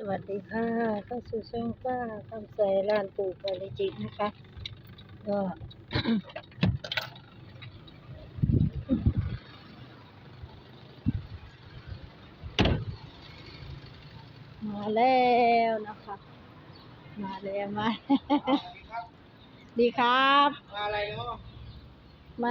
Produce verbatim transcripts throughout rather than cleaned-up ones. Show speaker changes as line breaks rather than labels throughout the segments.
วัสดีค่ะเข้าสู่ช่องป้าคำใสร้านปู่ปาริจิตนะคะก็ มาแล้วนะคะมาแล้วมา ดีครับ
มาอะไรเนาะ
มา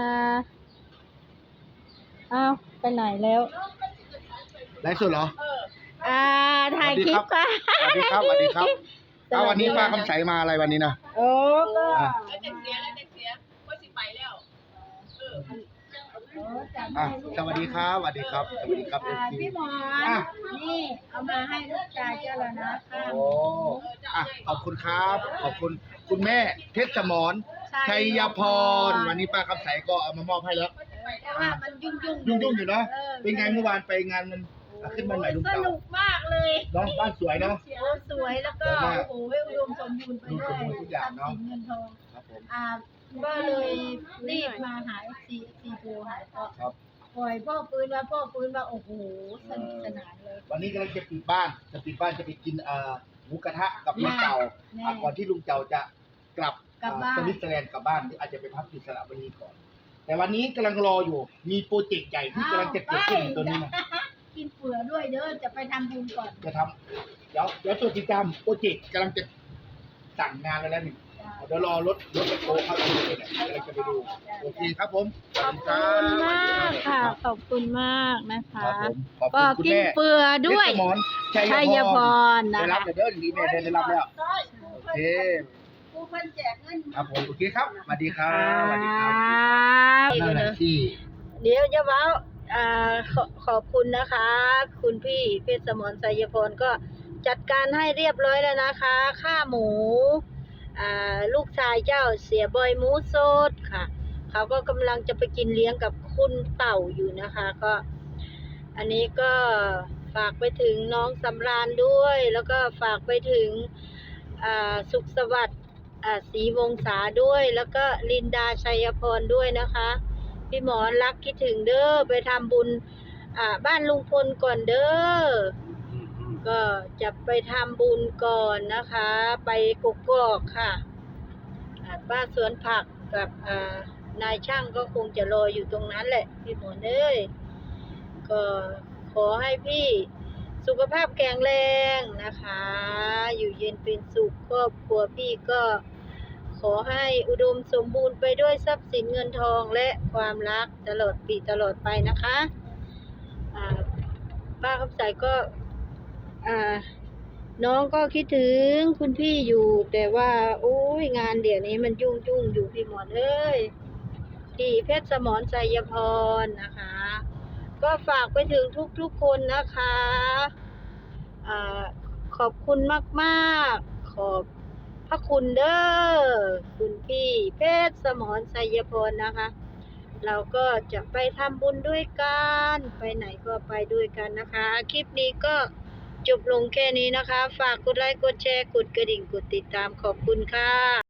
อ้าวไปไหนแล้ว
ไลฟ์สดเหรอ
อ่าถ่ายคลิปค่ะ
สวัสดีครับสวัสดีครับ
สวัสดี
เอาวันนี้ป้าคำใสมาอะไรวันนี้นะ
โอ้ก็
อ่ะ
แล้วจะเสียแล้วจะเสียว่าสิไปแล้วเออ
อ่ะสวัสดีครับสวัสดีครับสวัสดีครับเอ
อ่า
ฟซี
พี่หมอน
อ่ะ
นี่เอามาให้ลูกชายเจ้าแล้วนะค่ะ
โอ้อ่ะขอบคุณครับ ขอบคุณคุณแม่เพชรสมรชัยพรวันนี้ป้าคำใสก็เอามามอบให้แล้ว
เพราะว่ามันยุ่งยุ่ง
ยุ่งๆอยู่เนาะเป็นไงเมื่อวานไปงานมันอ่ะขึ้นบ้านใหม่ลุง
ส
เต่า
นุกมากเลย
เนาะบ้านสวยเนาะ
โอ้สวยแล้วก็
สวยมาก
โอ้โหอุดมสมบูรณ์ไปด้วย
อุดมสมบูรณ์ทุกอย่างเนอะ
ทรัพย์สินเงินทอง
ครับผม
อ่าก็เลยรีบมาหาเอฟซีซีโทรหาก็
ครับ
ปล่อยพ่อปืนมาพ่อปืนมาโอ้โหสนุกสนานเลย
วันนี้กำลังจะปิดบ้าน จะปิดบ้านจะไปกินเอ่อหมูกระทะกับลุงเต่า
แน่
อ่ะก่อนที่ลุงเต่าจะกลับ
กลับบ้าน
สวิตเซอร์แลนด์กลับบ้านหรืออาจจะไปพักที่สระบุรีก่อน แต่วันนี้กำลังรออยู่ มีโปรเจกต์ใหญ่ที่กำลังจะเกิดขึ้นตัวนี้นะ
กินเผื่อด้วยเด้อจะไปทำบุญก่อน
จะทำเดี๋ยวเดี๋ยวตัวติดตามโปรเจกต์กำลังจะสั่งงานไปแล้วนี่เดี๋ยวรอรถรถแบคโฮเข้าไปเลยเนี่ยกำลังจะไปดูโอเคครับผม
ขอบคุณมากค่ะ ขอบคุณมากนะ
ครั
คะ
บผมขอบ
ก็
คุณคุณ
กิน
แม่
เปื่อด้วย
เพชรสมรชั
ชั
ย
ย
พ
พ
ร
รนะ
ได้รับ
คะ
เดี๋ยวดีแม่ได้รับแล้วโอเค
ผู้เพิ่นแจกเงิน
ครับผมโอเคครับสวัสดีครับสวัสดีค
ค
รั
รับ
นั่นแหละที่
เดี๋ยวจะเว้าอ่าขอขอบคุณนะคะ คุณพี่เพชรสมรไสยพรก็จัดการให้เรียบร้อยแล้วนะคะ ค่าหมูอ่าลูกชายเจ้าเสียบอยหมูสดค่ะ เขาก็กำลังจะไปกินเลี้ยงกับคุณเต่าอยู่นะคะ ก็ อันนี้ก็ฝากไปถึงน้องสำราญด้วย แล้วก็ฝากไปถึงอ่าสุขสวัสดิ์อ่าศรีวงศาด้วย แล้วก็ลินดาชัยพรด้วยนะคะ พี่หมอรักคิดถึงเด้อไปทำบุญอ่าบ้านลุงพลก่อนเด้อก็จะไปทำบุญก่อนนะคะ ไปกกอกค่ะอ่าป้าสวนผักกับอ่านายช่างก็คงจะรออยู่ตรงนั้นแหละพี่หมอเอ้ยก็ขอให้พี่สุขภาพแข็งแรงนะคะ อยู่เย็นเป็นสุขครอบครัวพี่ก็ขอให้อุดมสมบูรณ์ไปด้วยทรัพย์สินเงินทองและความรักตลอดปีตลอดไปนะคะอ่าป้าคำใสก็อ่าน้องก็คิดถึงคุณพี่อยู่ แต่ว่าโอ้ยงานเดี๋ยวนี้มันยุ่งยุ่งอยู่พี่หมอนเอ้ยพี่เพชรสมรไสยพรนะคะ ก็ฝากไปถึงทุกๆคนนะคะอ่าขอบคุณมากๆขอบพระคุณเด้อคุณพี่เพชรสมรไสยพรนะคะ เราก็จะไปทำบุญด้วยกันไปไหนก็ไปด้วยกันนะคะ คลิปนี้ก็จบลงแค่นี้นะคะ ฝากกดไลค์กดแชร์กดกระดิ่งกดติดตามขอบคุณค่ะ